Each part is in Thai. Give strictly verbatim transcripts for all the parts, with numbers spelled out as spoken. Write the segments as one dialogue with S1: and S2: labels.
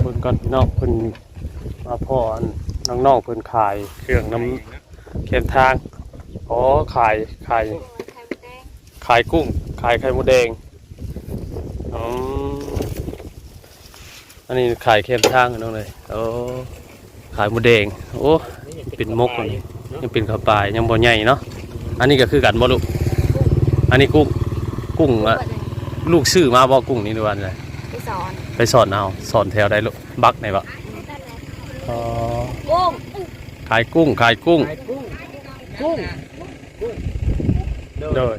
S1: บิ่งก่อนพี่น้องเพิ่นมาพ่อน้องๆเพิ่นขายเครื่องน้ำเค็มทางอ๋อขายขายขายกุ้งขายไข่มดแดงอ๋ออันนี้ขายเค็มทางน้องเลยโอ้ขายมดแดงโอ้เป็นมกอันนี้ยังเป็นข้าวปลายยังบ่ใหญ่เนาะอันนี้ก็คือกันบ่ลูกอันนี้กุ้งกุ้งอะลูกซื้อมาบ่กุ้งนี่ดูวันเลยไปสอนไปสอนเอาสอนแถวใดลูกบักไหนบ่อ๋อกุ้งขายกุ้งขายกุ้งกุ้งโดย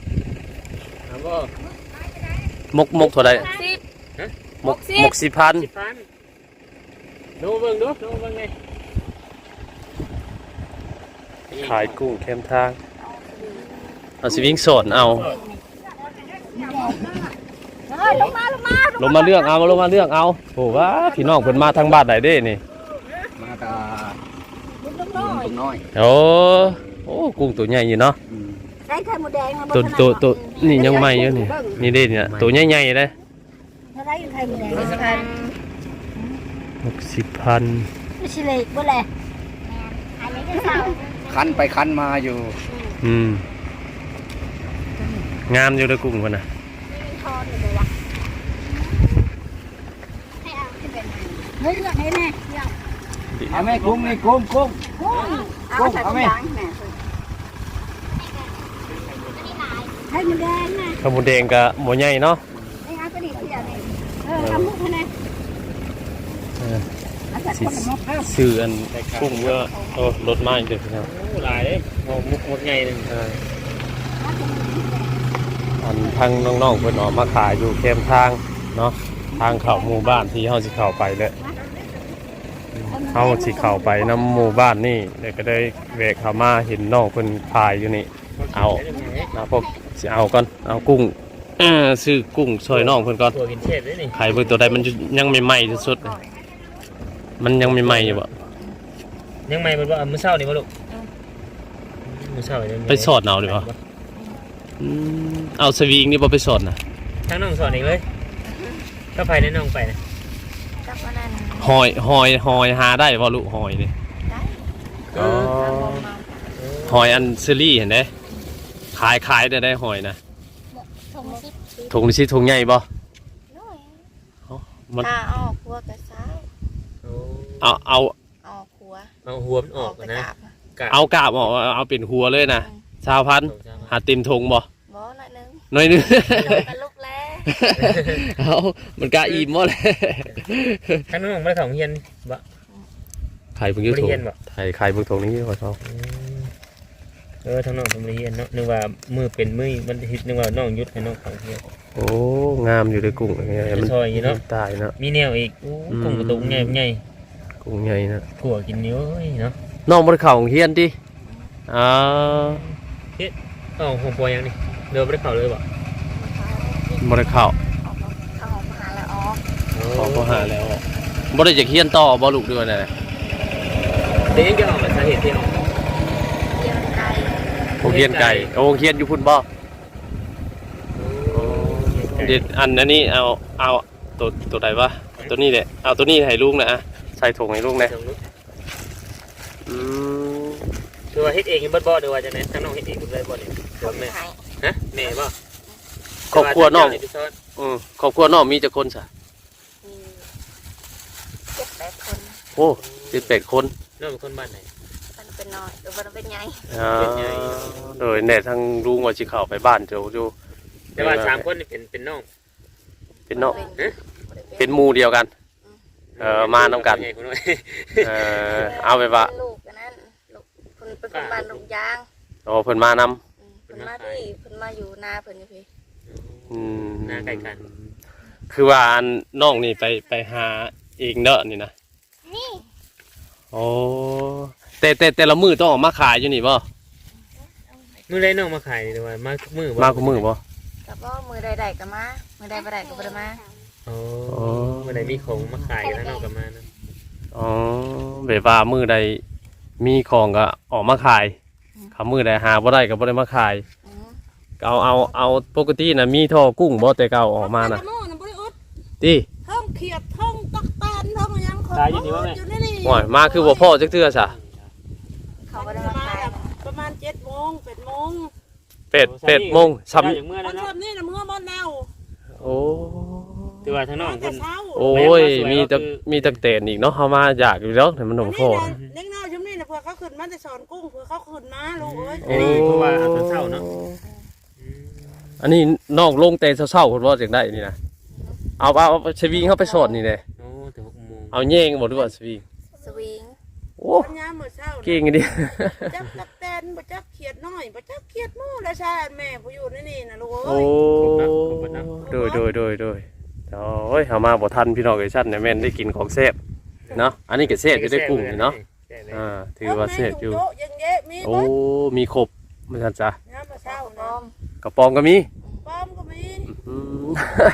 S1: มกมกเท่าไรมกมกสี่พันดูเบิ่งดูดูเบิ่งไงขายกุ้งเข้มทางเอาสิวิ่งสอนเอาลงมาลงมาลงมาเรื่องเอาลงมาเรื่องเอาโอ้ว่าพี่น้องเพิ่นมาทางบ้านไหนเด้นี่
S2: มาตากุ้งน้อย
S1: โอ้โอ้กุ้งตัวใหญ่อยู่เนาะ
S3: ได้ไข่มดแดงมา
S1: ตัวตัวตัวนี่ยังใหม่อยู่นี่นี่เด้เนี่ยตัวใหญ่ๆเลย
S3: ได้ไข่มดแดงสิบพัน
S1: หกสิบพัน
S3: ไม่ใช่เล็กบ่แหละ
S2: คันไปคันมาอยู่
S1: อืมงามอยู่เลยกุ้งคนน่ะ
S3: เฮ้ยเลือกให้แน่
S2: เอาแม่กุ้งนี่กุ้งกุ้งกุ้งเอาแม่
S3: ไข่มดแดงนะ
S1: ไข่มดแดงกับหมูใหญ่เนาะ
S3: ไอ้อาก็ดีเสียเลยเออทำมุกให้แน่
S1: ซื้ออันกุ้งเยอะโอ้รถมาอีกเด็กครับ
S2: หลายเลยมุกมุกใหญ่หนึ่ง
S1: อันทางน้องๆเพิ่นออกมาขายอยู่เข้มทางเนาะทางเข้าหมู่บ้านที่เฮาสิเข้าไปเลยเฮาสิเข้าไปนำหมู่บ้านนี่เดี๋ยวก็ได้แวะเข้ามาเห็นน้องเพิ่นขายอยู่นี่เอานะพวกสิเอาก่อนเอากุ้งเออซื้อกุ้งซอยน้องเพิ่นก่อน
S2: ตัวกินเทศด้วยนี่
S1: ขายเบิ่งตัวใดมันยังใหม่ๆที่สุดมันยังใหม่ๆอยู่บ่
S2: ยังใหม่มันว่ามื้อเช้านี่บ่ลูกมื้อเช้า
S1: ไปสอนเอาดิบ่เอาสวิงนี่บ่ไปสอนน่ะ
S2: ทั้งน้องสอนเองเลยก็ไปแนะน้องไปนะ
S1: หอยหอยหอยหาได้บ่ลูกหอยนี่
S3: ได้
S1: อ๋อหอยอันเซรี่เห็นไหมขายขายได้ได้หอยนะถุงนี่ถุงใหญ่ป่ะ
S3: มันเอาหัวกระซ้า
S1: เอาเอา
S3: เอาหัว
S2: เอาหัวมันออกนะ
S1: เอากาบออกเอาเป็นหัวเลยนะชาวพันหาติมถุงบ่
S3: บ่หน่อยนึง
S1: หน่อยนึง
S3: กันลูกแล้
S1: เอามันกะอิ่มหมดเลย
S2: ท่านน้องไม่ของเฮียนบ่
S1: ไข่เพิ่งยืดถุงไข่ไข่เพิ่งถุงนี้ขอชอบ
S2: เออทั้งน้องทำเรียนเนาะนึกว่ามือเป็นมือมันฮิตนึกว่าน้องยุดให้น้องของเฮีย
S1: โอ้งามอยู่ในกุ้ง
S2: มันซอยเนาะ
S1: ตายเนาะ
S2: มีแนวอีกกุ้งกระตุกใหญ่ใหญ่
S1: กุ้งใหญ่นะ
S2: ถั่วกินนิ้วเนาะ
S1: น้องบริเข่าของเฮียนดิอ่า
S2: เฮ็ดอ๋อหัวปอยยังนี่เดินบริเข่าเลยบ่
S1: บริเข่า
S3: เขาหาแล้วอ๋อ
S1: เขาหาแล้วบริจากเฮียนต่อบอลูกด้วยนะ
S2: เด็กจะออกมาสาเหตุที่ออก
S1: โรงเรียนไก่โรงเรียนอยู่พุ่นบ่เด็ดอันนี้เอาเอาตัวตัวใดวะตัวนี้แหละเอาตัวนี้ให้ลูกนะใส่ถุงให้ลูกนะอืม
S2: คือว่าเฮ็ดเองบ่บ่หรือว่าจะไหนถ้าน้องเฮ็ดเองได้บ่นี่แม่ฮะแม่บ่
S1: ครอบครัวน้องอืมครอบครัวน้องมีจักคนซะ
S3: เจ็ดแปดคน
S1: โอ้เจ็ดแปดคน
S2: น้องเป็นคนบ้านไหน
S3: เป็นน้อยหรือว่าเป็นใหญ่
S1: อ่าโดยแน่ทั้งลุงว่าสิเข้าไปบ้านเจ้าอยู่
S2: แต่ว่าสามคนนี่เป็นเป็นน้อง
S1: เป็นน้องเป็นหมู่เดียวกันเออมานำกันเออเอาไปว่า
S3: ลูกนั่นลูกเพิ่นเป็นคนบ้านลูกยาง
S1: โอ้เพิ่นมาน
S3: ำเพิ่นมาที่เพิ่นมาอยู่นาเพิ่นอยู่พี่
S1: อืม
S2: นาใกล้กัน
S1: คือว่าน้องนี่ไปไปหาเองเด้อนี่นะ
S3: นี่
S1: โอ้แต่แต่แต่ละมือต้องออกมาขายอยู่นี่บ่
S2: มือใดน้องมาขายหรือว่ามามือ
S1: มาคุมือบ่
S3: กับว่ามือใดๆก็มามือใดบ่ได้ก็บ่ได้มา
S2: โอ้มือใดมีของมาขายแล้วน้องก็มานะ
S1: อ๋อแบบว่ามือใดมีของก็ออกมาขายเขามือใดหาบ่ได้ก็บ่ได้มาขายเอาเอาเอาปกติน่ะมีท่อกุ้งบ่แต่เก่าออกมาน่ะติ
S3: เทิงเขียดเทิงตะ
S4: แตนท้องยังคนอยู่นี่นี่
S1: โอ้ยมาคือบ่พ่อจักเทื่อซะ
S3: เขาก็ได้มาขายนะ
S4: ประมาณเจ็ดโมงแปดโมง
S1: เป็ดเป็ดโมงซ้
S2: ได้อย่างเมื่อ
S4: ค
S2: แล้ว
S4: น
S2: เนาะ
S4: ทำนี่นะเมื่อบ้านแล้ว
S1: ำโอ้
S2: ถือว่าทางน้อง
S4: แต่
S2: เพิ่น
S4: เช้า
S1: โอ้ยมีตะมีตะเตนอีกเนาะเฮามาอยากอยู่แล้วแต่มันหนมพ่อ
S4: เล็กน้อยชุ่มนี่นะเพื่อเขาขึ้นมาจะสอนกุ้งเพื่อเขาขึ้นมาลูกเอ้ย
S2: อันนี้เพราะว่าเอาตอนเช้าเนาะ
S1: อันนี้น้องลงแต่เช้าๆเพิ่นว่าจังได้นี่นะเอาเอาเอาสวิงเข้าไปสอนนี่แหละ
S2: โอ้แต่หกโมง
S1: เอาแย่งบ่หรือว่าสวิง
S3: สวิง
S1: โอ้
S4: ปัญญาเมื่อเช้า
S1: เก่งดิ
S4: จับตักแตนบ่จับเขียดน้อยบ่จับเขียดมู่แล้วชาแม่ผู้อยู่นี่นี่นะลูก
S1: โอ้
S4: เอ้ย
S1: โดยโดยโดยโดยโอ้ยเฮามาบ่ทันพี่น้องเอ้ยซั่นเนี่ยแม่นได้กินของแซ่บเนาะอันนี้ก็แซ่บอยู่ได้กุ้งนี่เนาะอ่าถือว่าแซ่บอยู่
S4: โต๊ะยังเยอะมี
S1: โอ้
S4: บ่
S1: มีครบมันซั่นจ้ะ
S4: ยามเมื่อเช้า
S3: พร้
S4: นะ
S3: อม
S1: กระป๋องก็มี
S4: ป้อมก็มี
S1: อืม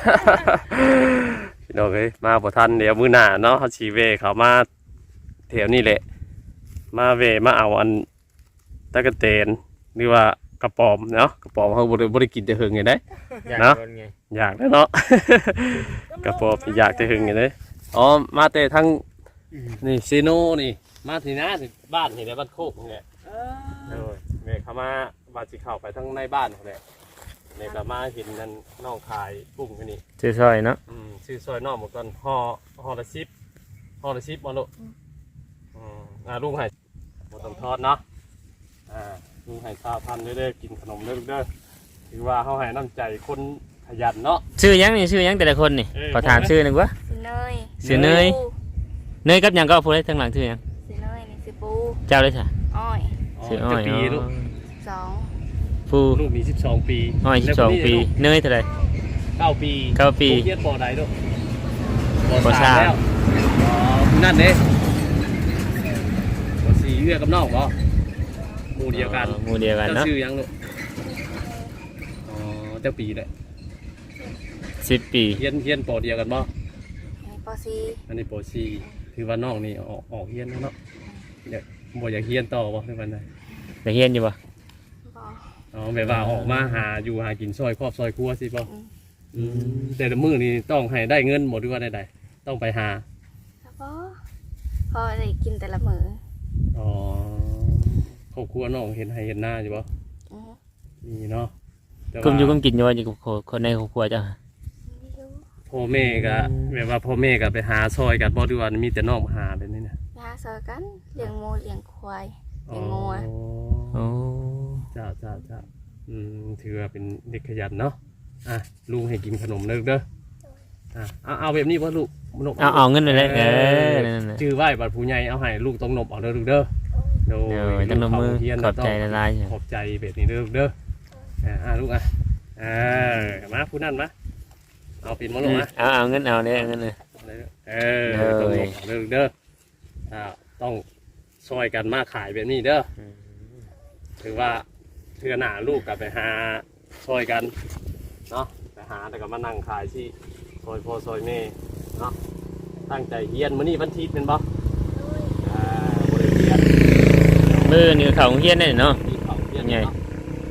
S1: พี่น้องเอ้ยมาบ่ทันเดี๋ยวมื้อหน้าเนาะเฮาสิเวเขามาแถวนี้แหละ มาเวมาเอาอันตะกะเตนหรือว่ากระป๋อมเนาะกระป๋อมเฮาบ่ได้บ่ได้กินแต่หึงไงเด้
S2: อยาก
S1: เนาะ
S2: โดนไง
S1: อยากแล้วเนาะ กระป๋อมอยากแต่หึงไงเด้อ๋อมาแต่ทางนี่ซีโนนี่มาที่หน้าที่บ้านนี่แหละบ้านโคกนี่แหละ
S4: เอ
S1: เอ
S4: อ
S1: อแม่เขามาว่าสิเข้าไปทางในบ้านนี่แหละนี่ก็มาเห็นนั่นน้องขายกุ้งอยู่นี่
S2: ชื่อซอยเนาะ
S1: อืมชื่อซอยนอกหมดก่อนห่อห่อละสิบห่อละสิบมาลูกอืมอ่าลุงให้หมดต้องทอดเนาะอ่าลุงให้ข้าวพันเด้อๆกินขนมเด้อลูกเด้อถือว่าเขาให้น้ำใจคนขยันเนาะ
S2: ชื่อยังนี่ชื่อยังแต่ละคนนี่
S1: เออ
S2: ขอถามชื่อหนึ่งวะ
S3: สิเนย
S2: สิเนย เนยกับหยังก็พูดได้ทั้งหลังชื่อยัง
S3: สิเนยนี่สิปู
S2: เจ้าเลยค่ะ
S3: อ้อย
S2: ชื่ออ้อย
S1: จะปีลูก
S3: สอง
S2: ฟู
S1: ลูกมีสิบสองปี
S2: อ้อยสิบสองปีเนยเท่าไหร
S1: เก้าปี
S2: เก้าปี
S1: ลูกเรียนปอใดลูก
S2: ปอสาม
S1: แล้วอ๋อนั่นเด้ปอสี่เอื้อกับน้องบ่หมู่เดียวกัน
S2: อ๋อหมู่เดียวกัน
S1: เจ้า
S2: เนาะ
S1: ชื่อยังลูกอ๋อเจ้าปีเลย
S2: สิบปี
S1: เฮียนเฮียนปอเดียวกันบ่
S3: ในปอซี
S1: อันนี้ปอสี่คือว่าน้องนี่ออกออกเฮียนแล้วเนาะเดี๋ยวบ่อยากเฮียนต่อบ่ในวันใด
S2: แต่เฮียนอยู่ปะ
S3: บอ
S1: อ๋อแบบว่าออกมาหาอยู่หากินซอยครอบซอยครัวสิบ่
S3: อืม
S1: อืมแต่ละมื้อนี่ต้องให้ได้เงินหมดหรือว่าใดๆต้องไปหา
S3: แล้วก็พอได้กินแต่ละมือ
S1: อ๋อครอบครัวน้องเห็นให้เห็นหน้าอยู่บ่
S3: อือฮึ
S1: นี่เนาะแต่ว่า
S2: กุมอยู่กุมกินอยู่ว่าอยู่กับคนในครอบครัวเจ้า
S3: ไม่รู้
S1: พ่อแม่ก็แบบว่าพ่อแม่ก็ไปหาซอยกันบ่ดีว่ามีแต่น้องมาหาแบบนี้นะ
S3: ไปหาเซอกันเลี้ยงหมูเลี้ยงควายเลี้ยงงัว
S2: โอ้
S1: จ้าจ้าจ้าอืมถือว่าเป็นเด็กขยันเนาะอ่ะลุงให้กินขนมเด้อเด้ออ่ะเอาเอาแบบนี้ว่าลูกนบ
S2: เอาเอาเงินไปเลยเออนั่นน่ะ
S1: ชื่อไหว้บัดผู้ใหญ่เอาให้ลูกต้องนบเอาเด้อลูกเด้อโด
S2: เดี๋ยวตั้งนมมือ
S1: เฮียน
S2: ขอบใจละลาย
S1: ขอบใจแบบนี้เด้อลูกเด้ออ่ะอ่ะลูกอ่ะอ่ามาผู้นั่นมาเอาปิ่นมาลูกอ่ะ
S2: เอาเอาเงินเอาเนี่ยเอาเงินเลย
S1: เออต้องนบเอาเด้อลูกเด้ออ่าต้องซอยกันมาขายแบบนี้เด้อถือว่าเทือหน้าลูกกลับไปหาซอยกันเนาะไปหาแต่ก็มานั่งขายที่ซอยพ่อซอยแม่เนาะตั้งใจเฮียนมื้อนี้วันอาทิตย์เป็นบ่อ่าบ่ได้เฮียน
S2: มือนี่เขาเฮียนได้เนาะ
S1: มีเขาเฮียน
S2: ไง
S1: เนาะ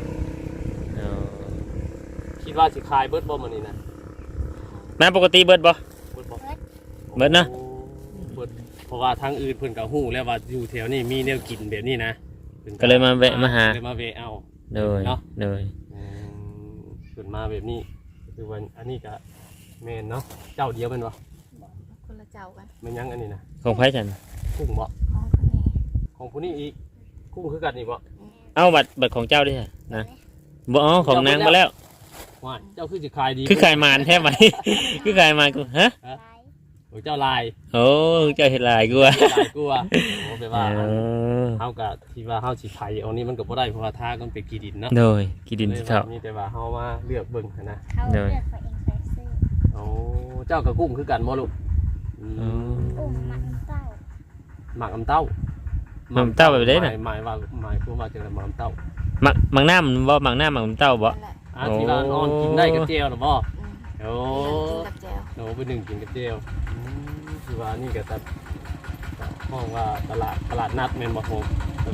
S1: คิดว่าสิขายเบิดบ่มื้อนี้นะ
S2: แม่ปกติเบิดบ่
S1: เบิดบ่
S2: เบิดนะ
S1: โอ้เบิดเพราะว่าทางอื่นเพิ่นก็ฮู้แล้วว่าอยู่แถวนี้มีแนวกินแบบนี้นะพิ่น
S2: ก็เลยมาแวะมาหา
S1: เลยมาแวะเอา
S2: เลย
S1: เนาะ
S2: เลย
S1: อืมขึ้นมาแบบนี้คือวันอันนี้ก็แม่นเนาะเจ้าเดียวเป็นบ่
S3: คนละเจ้ากัน
S1: แม่นยังอันนี้นะ
S2: ของไผ่ฉัน
S1: กุ้งบ่
S3: ของคนนี้
S1: ของผู้นี้อีกกุ้งคือกันนี่บ่
S2: เอาบัตรบัตรของเจ้าด้วยนะบ่อ๋อของนางมาแล้ว
S1: ว่าเจ้าคือสิขายดี
S2: คือขายมานแท้ไหม คือขายมานกูฮะ
S1: โอ้เจ้าลาย
S2: โอ้เจ้าเห็ดลายกูว่ะ
S1: ลายกลัวโอ้แปลว่า
S2: เออ
S1: เฮาก็ที่ว่าเฮาสิขายเอานี้มันก็บ่ได้เพราะว่าทางมันเป็นกีดินเนาะ
S2: โดยกินดิน
S1: เลย
S2: เท่า
S1: ว่ามีแต่ว่าเฮามาเลือกเบิ่งหั้นนะ
S3: เขา
S2: เดี๋
S3: เลื
S2: ยว
S3: อกตัวเองไปซื้อ
S1: โอ้เจ้ากับกุ้งคือกันบ่ลูกอืม
S2: อืม
S3: อุ้มมันเต้า
S1: หมักอำเต้า
S2: หมักอำเต้าแบบใดน่ะ
S1: หมายหมายว่าหมายความว่าจังได๋หมักอำเต้า
S2: หมักหมักหน้ามันบ่หมักหน้าหมักเต้าบ่
S3: นั่นแหละ
S1: อ่ะที่ว่าอ่อนกินได้กับเจียวหรือบ่
S3: อืม
S1: โอ้
S3: กินกับแจว
S1: โหไปหนึ่งกินกับเจียวอืมที่ว่านี่ก็จะห้องว่าตลาดตลาดนัดแม่นบ่โฮม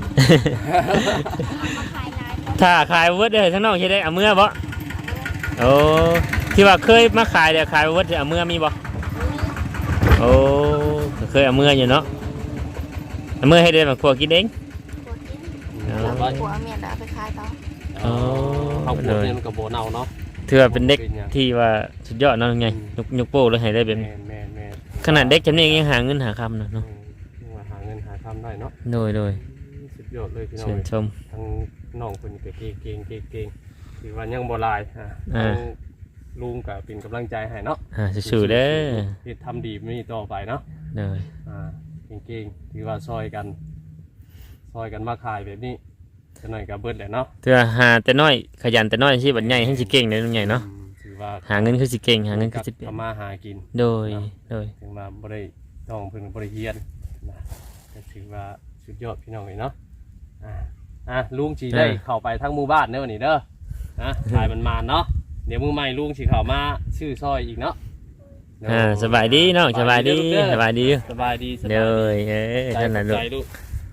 S3: ขายนาย
S2: ถ้าขายเวิร์ดเด้อทั้งนอกเฮ็ดได้เอาเมื่อบ่โอ้ที่ว่าเคยมาขายเด้อขายเวิร์ดเอาเมื่อมีบ่โอ้อ้เคยเอาเมื่ออยู่เนาะเอาเมื่อให้ได้มาครัวกินเอง
S3: ปวดกิน
S2: เออ
S3: แล้วผัวเอาเมียนเอาไปขายต่อ
S2: อ๋อ
S1: เอาปวดเนี่ยมันก็บ่เน่าเนาะ
S2: เถื่อเป็นเด็กที่ว่าสุดยอดเนาะไงยกยกโป้เลยให้ได้แบบ
S1: แม่
S2: นี้
S1: นแม่นแม่น
S2: ขนาดเด็กจำนี้ยังหาเงินหาคำเนาะ
S1: อื
S2: เนาะ
S1: มว่าหาเงินหาทำได้เนาะ
S2: โดยโดย
S1: สุดยอดเลยพี่น้อง
S2: เชิญชม
S1: ทั้งน้องเพิ่นก็เก่งเก่งเก่งเก่งถือว่ายังบ่หลายอ่ะ
S2: อ่า
S1: ทั้งลุงก็เป็นกำลังใจให้เนาะ
S2: อ่าสู้ๆเด้อ
S1: เฮ็ดทำดีมีต่อไปเนาะ
S2: โดย
S1: อ่าเก่งๆถือว่าซอยกันซอยกันมาขายแบบนี้จะหน่อยกับเบิดแหละเนาะ
S2: เถื่อหาแต่น้อยขยันแต่น้อยสิบัดใหญ่ให้สิเก่งเลยลุงใหญ่เนาะ
S1: อืมถือว่า
S2: หาเงินคือสิเก่งหาเงินคือสิเป็น
S1: ทำมาหากิน
S2: โดยโดย
S1: ถึงมาบริต้องเพิ่งบริเฮียนนะก็ถือว่าสุดยอดพี่น้องเลยเนาะอ่าอ่ะลุงจีได้เข้าไปทั้งหมู่บ้านเด้อนี่เด้อนะถ่ายมันมาเนาะเดี๋ยวมือใหม่ลุงสีเข้ามาชื่อซอยอีกเนาะ
S2: อ่าสบายดีเนาะสบายดีสบายดี
S1: สบายดีสบาย
S2: โด
S1: ดี
S2: ยเอ้ย
S1: ใจ
S2: นั่นแหละลูก
S1: ใจลูก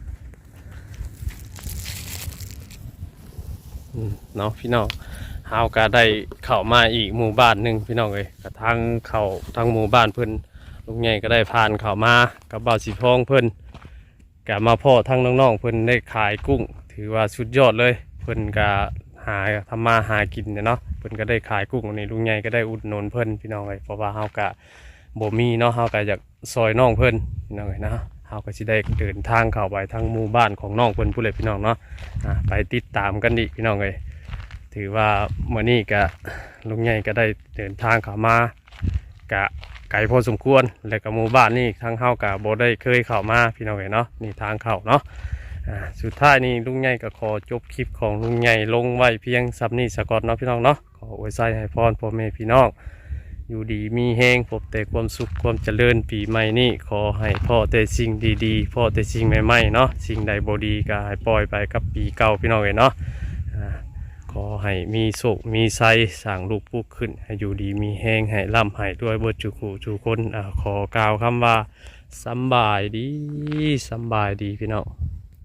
S1: อืมเนาะพี่น้องเฮาก็ได้เข้ามาอีกหมู่บ้านหนึ่งพี่น้องเลยกระทั่งเข้าทั้งหมู่บ้านเพิ่นลุงใหญ่ก็ได้ผ่านเข้ามากับบ่าวสีพองเพิ่นก็มาพ่อทั้งน้องๆเพิ่นได้ขายกุ้ง ถือว่าสุดยอดเลยเพิ่นก็หาทำมาหากินเนี่ยเนาะเพิ่นก็ได้ขายกุ้งนี่ลุงใหญ่ก็ได้อุดหนุนเพิ่นพี่น้องเลยเพราะว่าเฮาก็บ่มีเนาะเฮาก็อยากซอยน้องเพิ่นพี่น้องเลยนะเฮาก็สิได้เดินทางเข้าไปทางหมู่บ้านของน้องเพิ่นผู้เลยพี่น้องเนาะอ่าไปติดตามกันดิพี่น้องเลยถือว่ามื้อนี้ก็ลุงใหญ่ก็ได้เดินทางเข้ามากะไกลพอสมควรแล้วก็หมู่บ้านนี่ทางเฮาก็บ่ได้เคยเข้ามาพี่น้องเลยเนาะนี่ทางเข้าเนาะ อ่าสุดท้ายนี้ลุงใหญ่ก็ขอจบคลิปของลุงใหญ่ลงไว้เพียงซับนี้สกอตเนาะพี่น้องเนาะขออวยใจให้พรพ่อแม่พี่น้องอยู่ดีมีแห้งพบแต่ความสุขความเจริญปีใหม่นี้ขอให้พ่อแต่สิ่งดีๆพ่อแต่สิ่งใหม่ๆเนาะสิ่งใดบ่ดีก็ให้ปล่อยไปกับปีเก่าพี่น้องเลยเนาะอ่าขอให้มีโชคมีไซสร้างลูกปุ๊กขึ้นให้อยู่ดีมีแห้งให้ร่ำให้ด้วยเบิดจุกูจุคนอ่าขอกล่าวคำว่าสำบายดีสำบายดีพี่น้อง